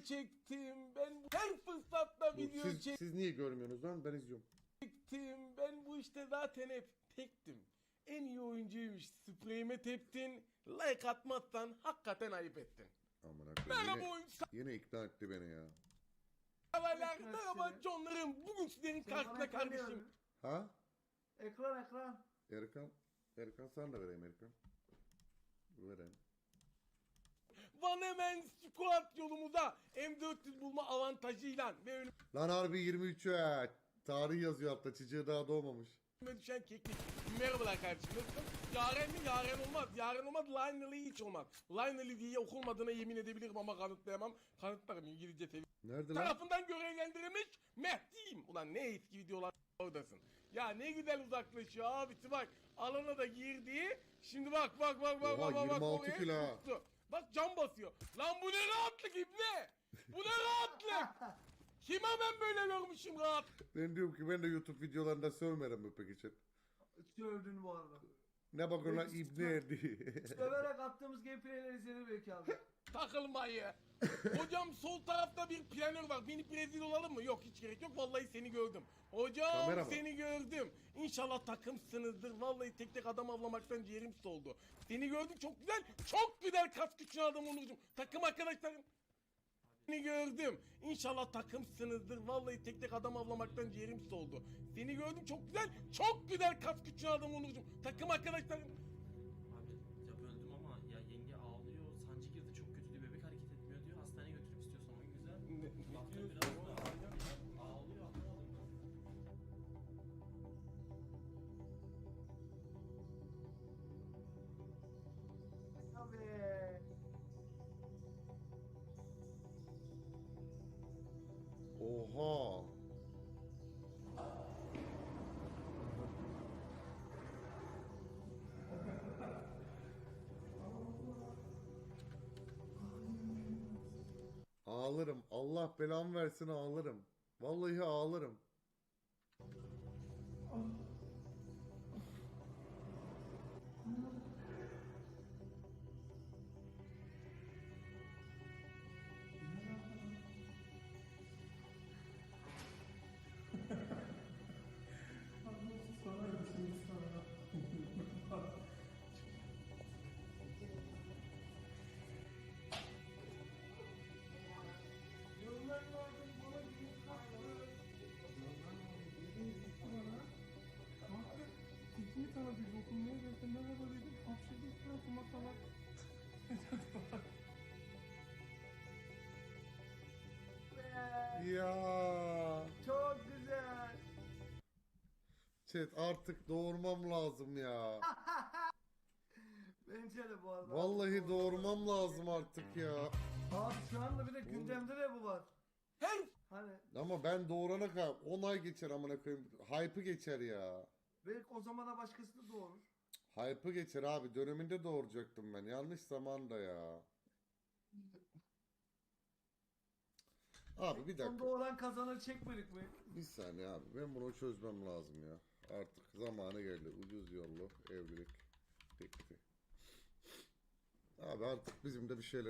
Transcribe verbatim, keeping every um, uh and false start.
çektim. Ben bu- her fırsatta Bu, video siz, siz niye görmüyorsunuz lan? Ben izliyorum. çektim. Ben bu işte zaten hep tektim. En iyi oyuncuymuş. Spreyime teptin. Like atmazsan hakikaten ayıp ettin. Aman Merhaba yine, oyuncu yine ikna etti beni ya. severler. Merhaba Johnlarım. Bugün sizlerin karşısında kardeşim. Ha? Ekran ekran. Erkan. Erkan sana da vereyim Erkan. Vereyim. Van hemen squat yolumuza M dört yüz bulma avantajıyla ve önüme Lan harbi yirmi üç ya. Tarih yazıyor altta. Çiçeği daha doğmamış. düşen keklik. Merhabalar kardeşim. Nasılsın? Yaren mi? Yaren olmaz. Yaren olmaz. Lionel'i hiç olmaz. Lionel'i diye okunmadığına yemin edebilirim ama kanıtlayamam. Kanıtlarım İngilizce seviye. Nerede lan? Tarafından görevlendirilmiş Mehdi'yim. Ulan ne eski videolar oradasın. Ya ne güzel uzaklaşıyor abisi bak. Alana da girdi. Şimdi bak bak bak bak Oha, bak bak. yirmi altı oraya kilo ha. tuttu. Bak cam basıyor. Lan bu ne rahatlık ibne. Bu ne rahatlık. Kime ben böyle görmüşüm rahat. Ben diyorum ki ben de YouTube videolarında sövmerim mi peki chat? Sövdün bu arada. Ne bakın lan Evet, ibne diye. Söverek attığımız gameplayleri izledi belki abi. Takılmayı. Hocam sol tarafta bir planör var. Beni Brezil olalım mı? Yok hiç gerek yok. Vallahi seni gördüm. Hocam Kamera mı? seni gördüm. İnşallah takımsınızdır. Vallahi tek tek adam avlamaktan ciğerim soldu. Seni gördüm çok güzel. Çok güzel kas güçlü adam Onurcuğum. Takım arkadaşlarım. Seni gördüm. İnşallah takımsınızdır. Vallahi tek tek adam avlamaktan ciğerim soldu. Seni gördüm çok güzel. Çok güzel kas güçlü adam Onurcuğum. Takım arkadaşlarım. Abi ya böldüm ama ya yenge ağlıyor, sancı girdi çok kötü diyor, bebek hareket etmiyor diyor, hastaneye götürüp istiyorsan o güzel. Ne- Lafta ne biraz diyorsun? da ağlıyor, ağlıyor anlamadım ben. Abi. Oha. Ağlarım. Allah belamı versin ağlarım. Vallahi ağlarım. Yollar vardı bana bir kalktı. Kanka tekini tanıdık dokunmaya geldim merhaba dedim hapşırdım suratuma falan. Ya. Çok güzel. Chat artık doğurmam lazım ya. Bence de bu arada. Vallahi doğurmam lazım artık ya. Abi şu anda bir de gündemde de bu var. Her Hani Ama ben doğurana kadar on ay geçer amına koyayım. Hype'ı geçer ya. belki o zamana başkası da doğurur. Hype'ı geçer abi. Döneminde doğuracaktım ben. Yanlış zamanda ya. Abi bir Son dakika. doğuran kazanır çekmedik mi? Bir saniye abi. Ben bunu çözmem lazım ya. Artık zamanı geldi. Ucuz yollu evlilik teklifi. Abi artık bizim de bir şeyler